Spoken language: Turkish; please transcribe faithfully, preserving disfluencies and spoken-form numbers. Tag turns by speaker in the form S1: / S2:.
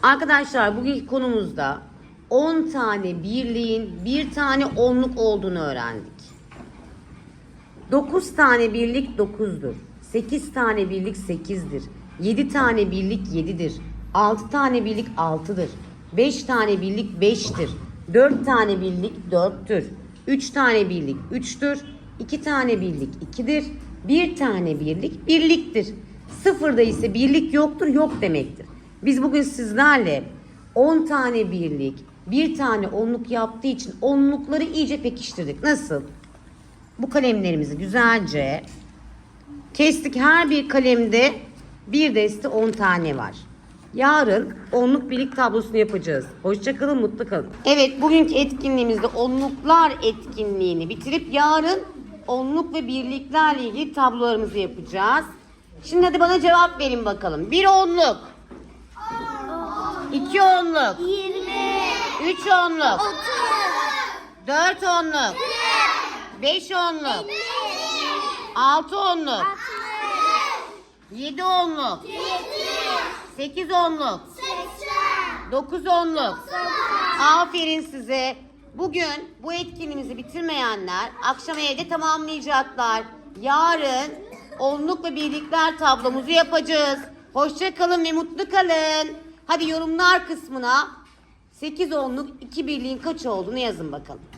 S1: Arkadaşlar bugünkü konumuzda on tane birliğin bir tane onluk olduğunu öğrendik. dokuz tane birlik dokuzdur. sekiz tane birlik sekizdir. yedi tane birlik yedidir. altı tane birlik altıdır. beş tane birlik beştir. dört tane birlik dörttür. üç tane birlik üçtür. iki tane birlik ikidir. bir tane birlik birliktir. Sıfırda ise birlik yoktur, yok demektir. Biz bugün sizlerle on tane birlik, bir tane onluk yaptığı için onlukları iyice pekiştirdik. Nasıl? Bu kalemlerimizi güzelce kestik. Her bir kalemde bir deste on tane var. Yarın onluk birlik tablosunu yapacağız. Hoşça kalın, mutlu kalın. Evet, bugünkü etkinliğimizde onluklar etkinliğini bitirip yarın onluk ve birliklerle ilgili tablolarımızı yapacağız. Şimdi hadi bana cevap verin bakalım. Bir onluk. iki onluk.
S2: yirmi.
S1: üç onluk.
S2: otuz.
S1: dört onluk. beş onluk. altı onluk. yedi onluk. sekiz onluk. dokuz onluk. Aferin size. Bugün bu etkinliğimizi bitirmeyenler akşam evde tamamlayacaklar. Yarın onluk ve birlikler tablomuzu yapacağız. Hoşça kalın ve mutlu kalın. Hadi yorumlar kısmına sekiz onluk iki birliğin kaç olduğunu yazın bakalım.